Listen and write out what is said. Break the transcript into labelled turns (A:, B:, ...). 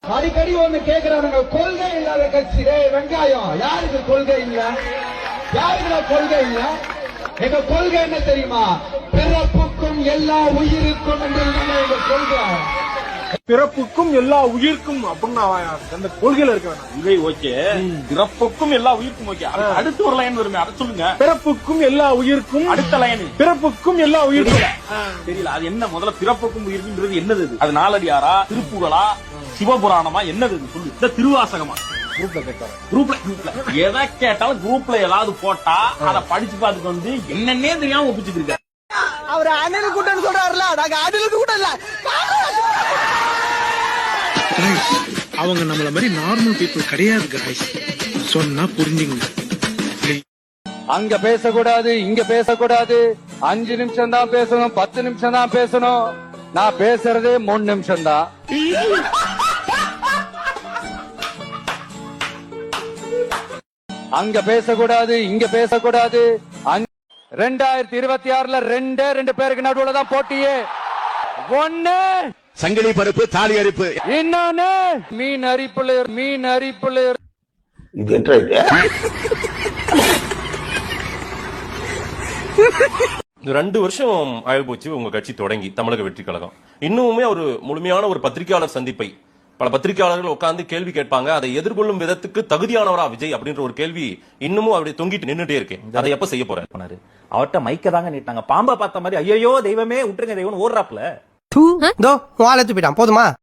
A: அடிக்கடி ஒண்ணு கேக்குறானுங்க, கொள்கை இல்லாத கட்சி. வெங்காயம், யாருக்கு கொள்கை இல்ல? யாருக்கு கொள்கை இல்ல? எங்க கொள்கை என்ன தெரியுமா? பிறப்புக்கும் எல்லா உயிருக்கும் என்று எங்க கொள்கை.
B: பிறப்புக்கும் எல்லா உயிர்க்கும் அப்படின்னு அந்த கொள்கையில இருக்க வேணாம்.
C: ஓகே, பிறப்புக்கும் எல்லா உயிருக்கும் ஓகே. அடுத்து ஒரு லைன் வருமே, அதை சொல்லுங்க.
B: பிறப்புக்கும் எல்லா உயிர்க்கும்,
C: அடுத்த லைன்
B: பிறப்புக்கும் எல்லா உயிர்க்கும்
C: தெரியல. அது என்ன? முதல்ல பிறப்புக்கும் உயிருக்கும்ன்றது என்னது? அது நாலடியாரா, திருப்புகளா, சிவபுராணமா, என்னது சொல்லு? இந்த திருவாசகமா? குரூப்ல எதை கேட்டாலும் குரூப்ல ஏதாவது போட்டா அதை படிச்சு பார்த்துட்டு வந்து என்னன்னே தெரியாம ஒப்பிச்சுட்டு இருக்க.
D: அவர் அண்ணனுக்கு கூட்டம்னு சொல்றாருல, நாங்க அண்ணனுக்கு கூட்டம் இல்ல.
E: அவங்க நம்மள மாதிரி நார்மல் பீப்புள் கிடையாது गाइस. சொன்னா புரிஞ்சுங்க.
F: அங்க பேசக்கூடாது, இங்க பேசக்கூடாது. 5 நிமிஷம் தான் பேசணும், 10 நிமிஷம் தான் பேசணும். நான் பேசுறதே 3 நிமிஷம் தான். அங்க பேசக்கூடாது, இங்க பேசக்கூடாது. 2026ல ரெண்டு பேருக்கு நடுவுல தான் போட்டியே. ஒண்ணு
G: சங்கிலி பருப்பு, தாலி அரிப்பு.
F: இன்னொன்னு மீன் அரிப்புல.
G: இது என்ன இது?
H: 2 வருஷம் ஆயிப்போச்சு உங்க கட்சி தொடங்கி, தமிழக வெற்றி கழகம். இன்னுமே ஒரு முழுமையான ஒரு பத்திரிகையாளர் சந்திப்பை பல பத்திரிகையாளர்கள் உட்கார்ந்து கேள்வி கேட்பாங்க. அதை எதிர்கொள்ளும் விதத்துக்கு தகுதியானவரா விஜய் அப்படின்ற ஒரு கேள்வி இன்னமும் அப்படி தொங்கிட்டு நின்னுட்டே இருக்கேன். அதை எப்ப செய்ய போறாரு?
I: அவர்கிட்ட மைக்க தாங்க நீட்டாங்க. பாம்பா பார்த்த மாதிரி ஐயோ தெய்வமே விட்டுருங்க தெய்வம் ஓடுறாப்ல.
D: வாழத்து போயிட்டான். போதுமா?